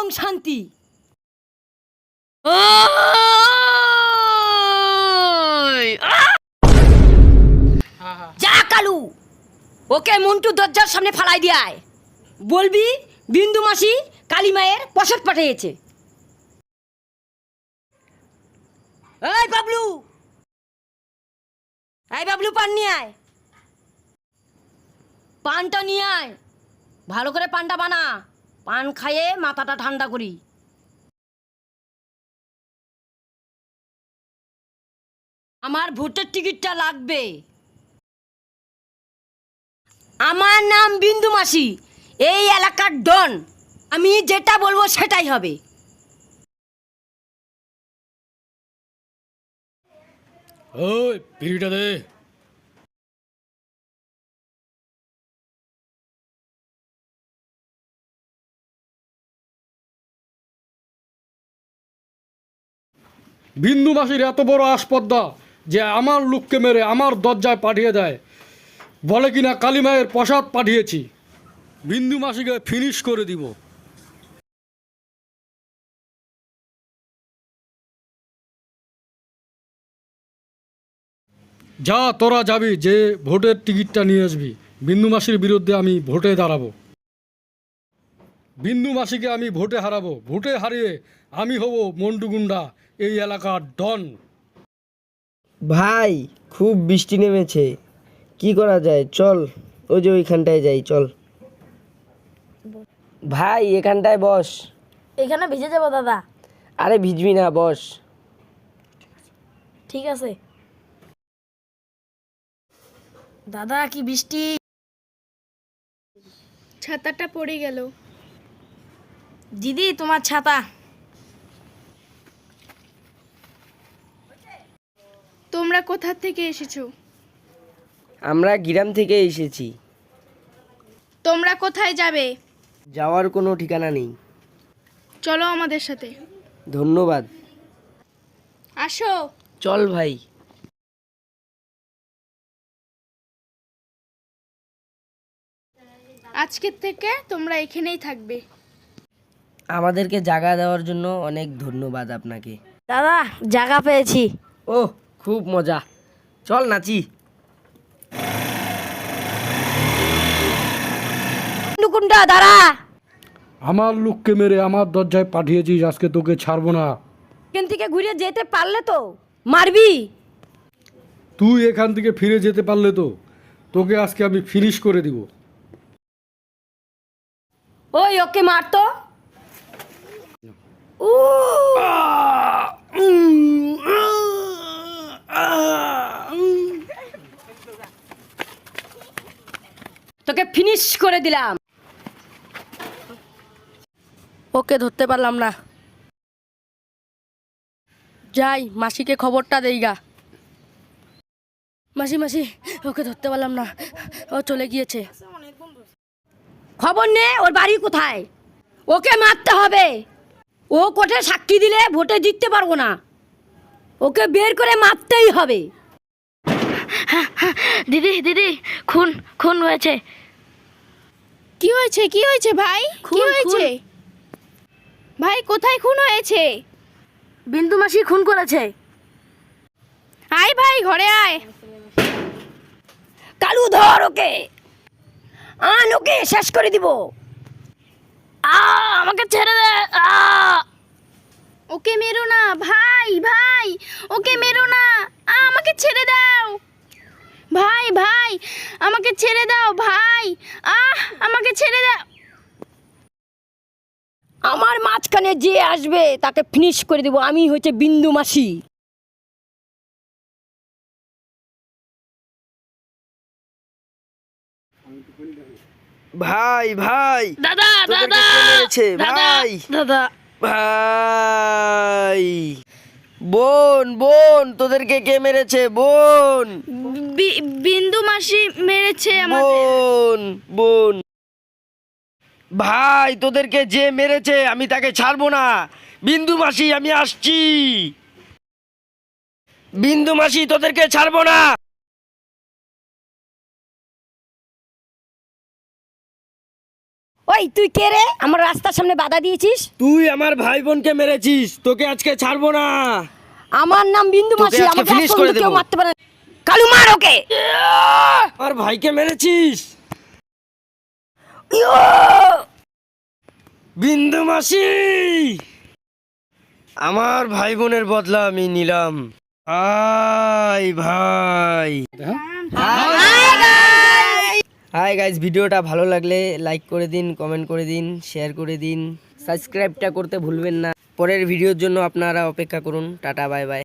শান্তি। যা কালু, ওকে মন্টু দরজার সামনে ফালাই দিয়ে আয়। বলবি বিন্দু মাসি কালী মায়ের প্রসাদ পাঠিয়েছে। এই বাবলু, পান নিয়ে আয়। পানটা নিয়ে আয়, ভালো করে পানটা বানা। পান খাইয়ে মাথাটা ঠান্ডা করি। আমার ভোটের টিকিটটা লাগবে। আমার নাম বিন্দু মাসি, এই এলাকার ডন। আমি যেটা বলবো সেটাই হবে। ওই বিড়িটা দে। বিন্দু মাসির এত বড় আসপদ্দা যে আমার লোককে মেরে আমার দরজায় পাঠিয়ে দেয়, বলে কিনা কালীমায়ের প্রসাদ পাঠিয়েছি। বিন্দু মাসিকে ফিনিশ করে দিব। যা তোরা যাবি, যে ভোটের টিকিটটা নিয়ে আসবি। বিন্দু মাসির বিরুদ্ধে আমি ভোটে দাঁড়াবো। বিন্দু মাসিকে আমি ভোটে হারাবো। ভোটে হারিয়ে আমি হব মন্টু গুন্ডা, এই এলাকার ডন। ভাই খুব বৃষ্টি নেমেছে, কি করা যায়? চল ওই যে ওইখানটায় যাই, চল ভাই এখানটায় বস। এখানে ভিজে যাবো দাদা। আরে ভিজবি না, বস। ঠিক আছে দাদা। কি বৃষ্টি, ছাতাটা পড়ে গেল। দিদি তোমার ছাতা। তোমরা কোথা থেকে এসেছো? আমরা গ্রাম থেকে এসেছি। তোমরা কোথায় যাবে? যাওয়ার কোনো ঠিকানা নেই। চলো আমাদের সাথে। ধন্যবাদ। আসো। চল ভাই। আজকের থেকে তোমরা এখানেই থাকবে। আমাদেরকে জায়গা দেওয়ার জন্য অনেক ধন্যবাদ আপনাকে। দাদা জায়গা পেয়েছি। ও খুব মজা, চল নাচি। নুকুন্ডা দাঁড়া। আমার লোককে মেরে আমার দরজায় পাঠিয়েছিস, আজকে তোকে ছাড়বো না। এখান থেকে ঘুরে যেতে পারলে তো মারবি। তুই এখান থেকে ফিরে যেতে পারলে তো তোকে আজকে আমি ফিনিশ করে দিব। ওই ওকে মারতো। তোকে ফিনিশ করে দিলাম। ওকে ধরতে পারলাম না। যাই মাসিকে খবরটা দেই গা। মাসি মাসি, ওকে ধরতে পারলাম না, ও চলে গিয়েছে। খবর নে ওর বাড়ি কোথায়। ওকে মারতে হবে। ও কোর্টে সাক্ষী দিলে ভোটে জিততে পারবো না। ওকে বের করে মারতেই হবে। দিদি দিদি, খুন খুন হয়েছে। কি হয়েছে? কি হয়েছে ভাই? কি খুন, হয়েছে ভাই? কোথায় খুন হয়েছে? বিন্দু মাসি খুন করেছে। আয় ভাই, ঘরে আয়। কালু ধর ওকে, আন ওকে শেষ করে দিব। আমাকে ছেড়ে দে। ওকে মেরো না ভাই, ভাই ওকে মেরো না। আমাকে ছেড়ে দাও ভাই, ভাই আমাকে ছেড়ে দাও ভাই। আমাকে ছেড়ে দাও। আমার মাঝখানে যে আসবে তাকে ফিনিশ করে দেব। আমি হচ্ছে বিন্দু মাসি। ভাই ভাই, দাদা তোদেরকে দাদা কে মেরেছে? দাদা ভাই দাদা। ভাই, বোন বোন, তোদেরকে কে মেরেছে? বোন বিন্দু মাসি মেরেছে আমাদের। বোন বোন। ভাই তোদেরকে যে মেরেছে আমি তাকে ছাড়বো না। বিন্দু মাসি আমি আসছি। বিন্দু মাসি তোদেরকে ছাড়বো না। ওই তুই কে রে আমার রাস্তার সামনে বাধা দিয়েছিস? তুই আমার ভাই বোনকে মেরেছিস, তোকে আজকে ছাড়বো না। আমার নাম বিন্দু মাসি, আজকে আমাকে finish আজ করে পর্যন্ত কেউ দেবো। মারতে পারে না। কালু মার ওকে। আমার ভাইকে মেরেছিস বিন্দু মাসি। আমার ভাই বোনের বদলা আমি নিলাম। হাই ভাই। হাই গাইজ, ভিডিওটা ভালো লাগলে লাইক করে দিন, কমেন্ট করে দিন, শেয়ার করে দিন, সাবস্ক্রাইবটা করতে ভুলবেন না। পরের ভিডিওর জন্য আপনারা অপেক্ষা করুন। Tata, bye by.